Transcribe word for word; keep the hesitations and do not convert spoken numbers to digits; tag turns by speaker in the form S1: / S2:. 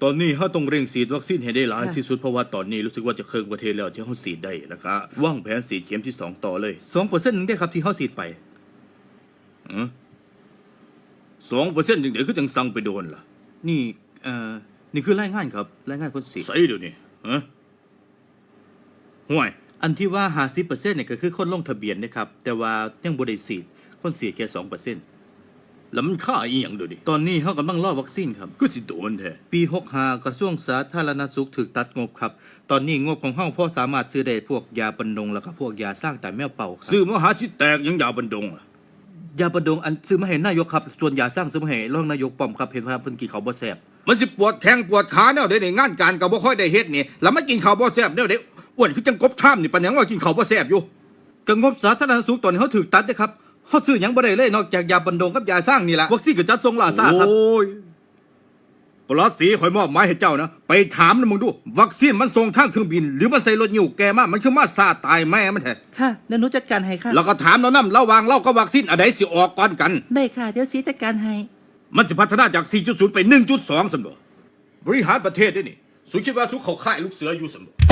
S1: ตอนนี้เขาต้องเร่งฉีดวัคซีนให้ได้หลายที่สุดเพราะว่าตอนนี้รู้สึกว่าจะเครื่องประเทศแล้วที่เขาฉีดได้แล้วก็วางแผนฉีดเข็มที่สองต่อเลยสองเปอร์เซ็นต์นึงได้ครับที่เขาฉีดไปสองเปอร์เซ็นต์ถึงเดี๋ยวก็จังสั่งไปโดนล่ะนี่เอ่อนี่คือรายงานครับรายงานคนฉีดใส่เดี๋ยวนี้ฮะห่วยอันที่ว่าห้าสิบเปอร์เซ็นต์เนี่ยก็คือคนลงทะเบียนนะครับแต่ว่ายังบ่ได้ฉีดคนฉีดแค่สองเปอร์เซ็นต์แล้วมันค่าอีหยังดูดิตอนนี้เขากำลังรอวัคซีนครับก็สิโดนแท้ปีหกสิบห้ากระทรวงสาธารณสุขถูกตัดงบครับตอนนี้งบของเฮาพอสามารถซื้อได้พวกยาบรรดงแล้วก็พวกยาสร้างแต่แมวเป่าครับซื้อมาหาสิแตกยังยาบรรดงอ่ะยาบรรดงอันซื้อมาให้นายกครับส่วนยาสร้างซื้อมาให้รองนายกป้อมครับเห็นว่าเพิ่นกินข้าวบ่แซ่บมันสิปวดแข้งปวดขาแนวใดในงานการก็บ่ค่อยได้เฮ็ดนี่แล้วมากินข้าวบ่แซ่บแนวใดอ้วนคือจังกบท่ามนี่ปานหยังว่ากินข้าวบ่แซ่บอยู่ก็งบสาธารณสุขตอนนี้เฮาถูกตัดเด้ครับเฮาซื้อหยังบ่ได้เลยนอกจากยาบรรดงกับยาสร้างนี่ล่ะวัคซีนก็จัดส่งล่าซ่าครับโอ้ยปลอดสีข่อยมอบหมายให้เจ้านะไปถามนะมึงดูวัคซีนมันส่งทางเครื่องบินหรือมันใส่รถยิ้วแกมามันคือมาซาตายแม่มันแท้
S2: ค่ะเดี๋ยวหนูจัดการให้ค่ะ
S1: แล้วก็ถามเนาะนำระหว่างเรากับวัคซีนอันใดสิออกก่อนกัน
S2: ได้ค่ะเดี๋ยวสีจัดการให้
S1: มันสิพัฒนาจาก สี่จุดศูนย์ ไป หนึ่งจุดสอง ซั่นบ่บริหารประเทศได้นี่สุคิดว่าสุเข้าค่ายลูกเสืออยู่ซั่นบ่